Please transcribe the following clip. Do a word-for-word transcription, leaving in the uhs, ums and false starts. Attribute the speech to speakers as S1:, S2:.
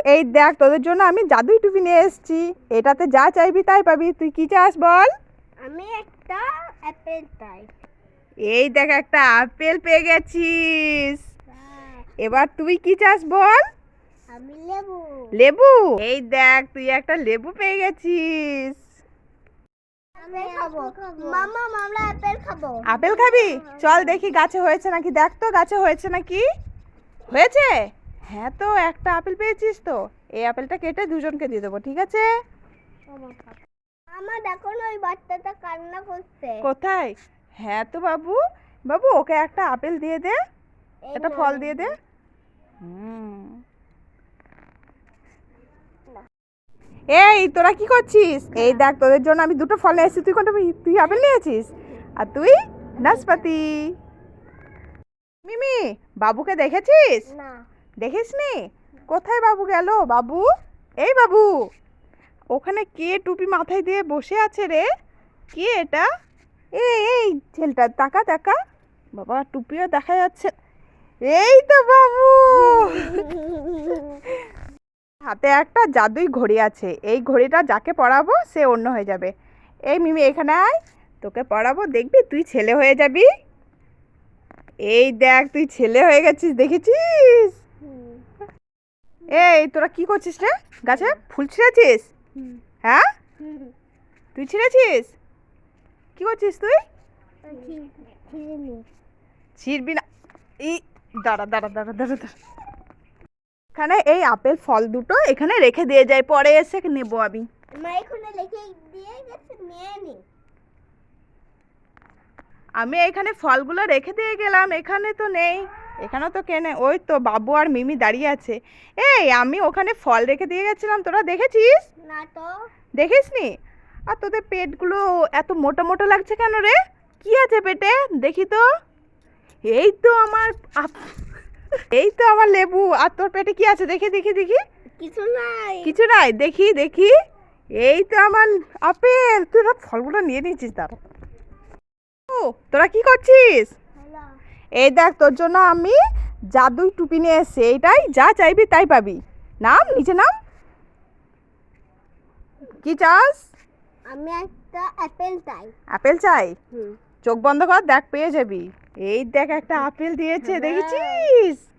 S1: এই দেখ তোদের জন্য আমি জাদুই টুপি নিয়ে এসেছি। এটাতে যা চাইবি তাই পাবি। তুই কি চাস বল?
S2: আমি একটা অ্যাপেল চাই।
S1: এই দেখ একটা আপেল পেয়ে গেছিস। এবার তুই কি চাস বল?
S2: আমি লেবু।
S1: লেবু? এই দেখ তুই একটা লেবু পেয়ে গেছিস।
S2: আমি খাবো মামা, আমরা অ্যাপেল খাবো।
S1: আপেল খাবি? চল দেখি গাছে হয়েছে নাকি, দেখ তো গাছে হয়েছে নাকি। হয়েছে? হ্যাঁ, তো একটা আপেল পেয়েছিস তো। এই আপেলটা কেটে দুজনকে দিয়ে দেবো, ঠিক আছে?
S2: আমার দেখো না, ওই বাচ্চাটা কান্না করছে।
S1: কোথায়? হ্যাঁ তো বাবু, বাবু ওকে একটা আপেল দিয়ে দে, একটা ফল দিয়ে দে। হুম। এই তোরা কি করছিস? এই দেখ তোদের জন্য আমি দুটো ফল নিয়ে এসেছি। তুই কোনটা? তুই আপেল নিয়েছিস আর তুই নাশপাতি। মিমি, বাবুকে দেখেছিস?
S2: না।
S1: দেখিসনি? কোথায় বাবু গেল? বাবু, এই বাবু, ওখানে কে টুপি মাথায় দিয়ে বসে আছে রে? কে এটা? এই এই ছেলেটা, তাকা তাকা। বাবা টুপিও দেখা যাচ্ছে। এই তো বাবু। হাতে একটা জাদুই ঘড়ি আছে। এই ঘড়িটা যাকে পরাবো সে অন্য হয়ে যাবে। এই মিমি এখানে আয়, তোকে পরাবো, দেখবি তুই ছেলে হয়ে যাবি। এই দেখ তুই ছেলে হয়ে গেছিস, দেখেছিস? এই তোরা কি করছিস রে? গাছে ফুল ছিঁড়েছিস? হ্যাঁ, তুই ছিঁড়েছিস? কি করছিস তুই? ছিঁড়বি না। এই দাঁড়া দাঁড়া দাঁড়া দাঁড়া দাঁড়া। এখানে এই আপেল ফল দুটো এখানে রেখে দিয়ে যায়, পরে এসে নেবো আমি।
S2: মা এখানে লিখে দিয়ে গেছে, নিয়ে নি।
S1: আমি এখানে ফলগুলো রেখে দিয়ে গেলাম, এখানে তো নেই। এখানে তো কেনে, ওই তো বাবু আর মিমি দাঁড়িয়ে আছে। এই আমি ওখানে ফল রেখে দিয়ে গেছিলাম, তোরা দেখেছিস?
S2: না তো।
S1: দেখিসনি? আর তোদের পেটগুলো এত মোটা মোটা লাগছে কেন রে? কি আছে পেটে দেখি তো। এই তো আমার আপ- এই তো আমার লেবু। আর তোর পেটে কি আছে দেখি দেখি দেখি।
S2: কিছু নাই।
S1: কিছু নাই, দেখি দেখি। এই তো আমার আপেল। তুই সব ফলগুলো নিয়ে নিয়েছিস, দাঁড়া। ও, তোরা কি করছিস? এই দেখ তোর জন্য আমি জাদুই টুপি নিয়ে এসেছি। এইটাই যা চাইবি তাই পাবি। নাম, নিচে নাম। কি চাস?
S2: আমি একটা অ্যাপেল চাই।
S1: আপেল চাই?
S2: হুম।
S1: চোখ বন্ধ কর, দেখ পেয়ে যাবি। এই দেখ একটা আপেল দিয়েছে, দেখেছিস?